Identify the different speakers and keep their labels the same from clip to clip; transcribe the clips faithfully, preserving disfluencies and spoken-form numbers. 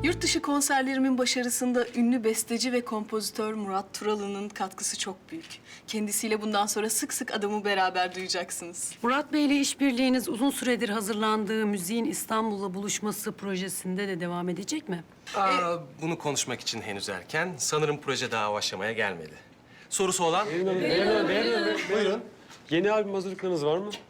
Speaker 1: Yurt dışı konserlerimin başarısında ünlü besteci ve kompozitör Murat Turalı'nın katkısı çok büyük. Kendisiyle bundan sonra sık sık adımı beraber duyacaksınız.
Speaker 2: Murat Bey ile işbirliğiniz uzun süredir hazırlandığı müziğin İstanbul'la buluşması projesinde de devam edecek mi?
Speaker 3: Aa, bunu konuşmak için henüz erken. Sanırım proje daha o aşamaya gelmedi. Sorusu olan?
Speaker 4: Buyurun. Yeni albüm hazırlıklarınız var mı?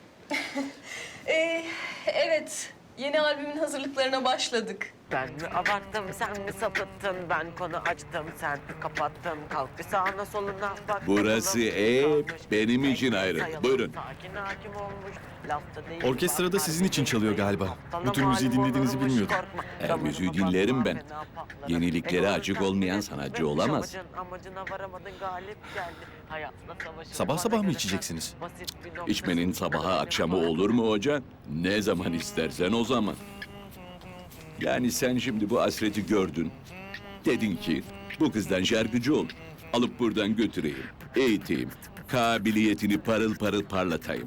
Speaker 1: Ee, evet, yeni albümün hazırlıklarına başladık.
Speaker 5: Ben mi abarttım, sen mi sapıttın? Ben konu açtım, sen kapattın. Kalk bir sağına soluna bak.
Speaker 6: Burası hep benim için ayrı. Buyurun.
Speaker 5: Sakin hakim olmuş. Lafta değil,
Speaker 7: Orkestra da sizin için çalıyor galiba. Bu tür müziği dinlediğinizi bilmiyordum.
Speaker 6: Her müziği dinlerim ben. Yeniliklere açık olmayan sanatçı olamaz.
Speaker 5: Amacına varamadın, galip geldi. Hayatla savaşın.
Speaker 7: Sabah sabah mı içeceksiniz?
Speaker 6: İçmenin sabaha akşamı olur mu hoca? Ne zaman istersen o zaman. Yani sen şimdi bu Hasret'i gördün. Dedin ki bu kızdan şarkıcı ol. Alıp buradan götüreyim, eğiteyim. Kabiliyetini parıl parıl parlatayım.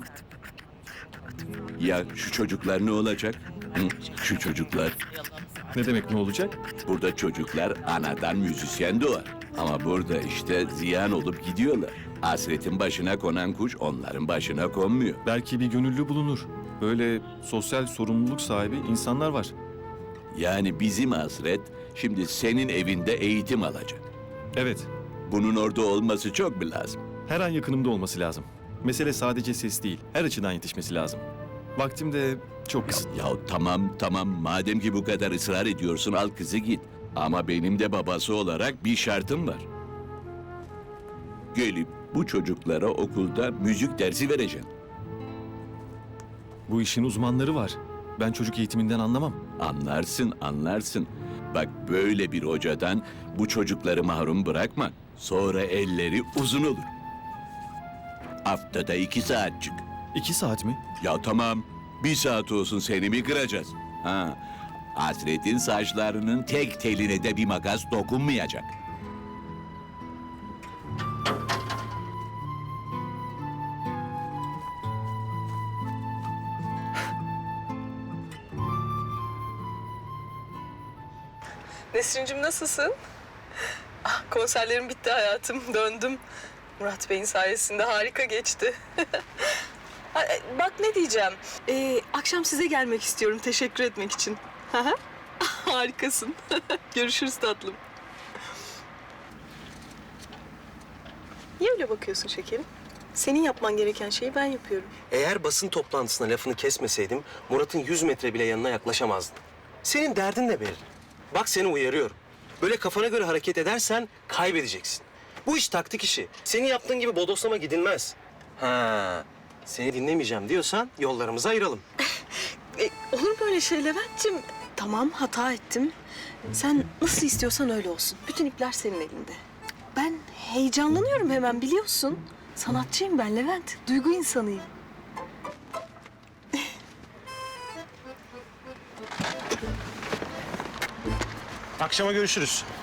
Speaker 6: Ya şu çocuklar ne olacak? Hı? Şu çocuklar.
Speaker 7: Ne demek ne olacak?
Speaker 6: Burada çocuklar anadan müzisyen doğar. Ama burada işte ziyan olup gidiyorlar. Hasretin başına konan kuş onların başına konmuyor.
Speaker 7: Belki bir gönüllü bulunur. Böyle sosyal sorumluluk sahibi insanlar var.
Speaker 6: Yani bizim Hasret şimdi senin evinde eğitim alacak.
Speaker 7: Evet,
Speaker 6: Bunun orada olması çok mu lazım?
Speaker 7: her an yakınımda olması lazım. Mesele sadece ses değil, her açıdan yetişmesi lazım. Vaktim de çok kısıtlı.
Speaker 6: Ya tamam tamam madem ki bu kadar ısrar ediyorsun al kızı git. Ama benim de babası olarak bir şartım var. Gelip bu çocuklara okulda müzik dersi vereceksin.
Speaker 7: Bu işin uzmanları var. Ben çocuk eğitiminden anlamam.
Speaker 6: Anlarsın, anlarsın. Bak böyle bir hocadan bu çocukları mahrum bırakma. Sonra elleri uzun olur. Haftada iki saat çık.
Speaker 7: İki saat mi?
Speaker 6: Ya tamam, bir saat olsun seni mi kıracağız? Ha, Hasret'in saçlarının tek teline de bir makas dokunmayacak.
Speaker 1: Nesrin'cim nasılsın? Ah, konserlerim bitti hayatım, döndüm. Murat Bey'in sayesinde harika geçti. Ha, e, Bak ne diyeceğim, ee, akşam size gelmek istiyorum teşekkür etmek için. Hı hı. Harikasın. Görüşürüz tatlım. Niye öyle bakıyorsun şekerim? Senin yapman gereken şeyi ben yapıyorum.
Speaker 3: Eğer basın toplantısına lafını kesmeseydim Murat'ın yüz metre bile yanına yaklaşamazdın. Senin derdin ne belli. Bak seni uyarıyorum. Böyle kafana göre hareket edersen kaybedeceksin. Bu iş taktik işi. Senin yaptığın gibi bodoslama gidilmez. Ha, seni dinlemeyeceğim diyorsan yollarımızı ayıralım.
Speaker 1: E, olur mu öyle şey Levent'ciğim? Tamam hata ettim. Sen nasıl istiyorsan öyle olsun. Bütün ipler senin elinde. Ben heyecanlanıyorum hemen biliyorsun. Sanatçıyım ben Levent. Duygu insanıyım.
Speaker 3: Akşama görüşürüz.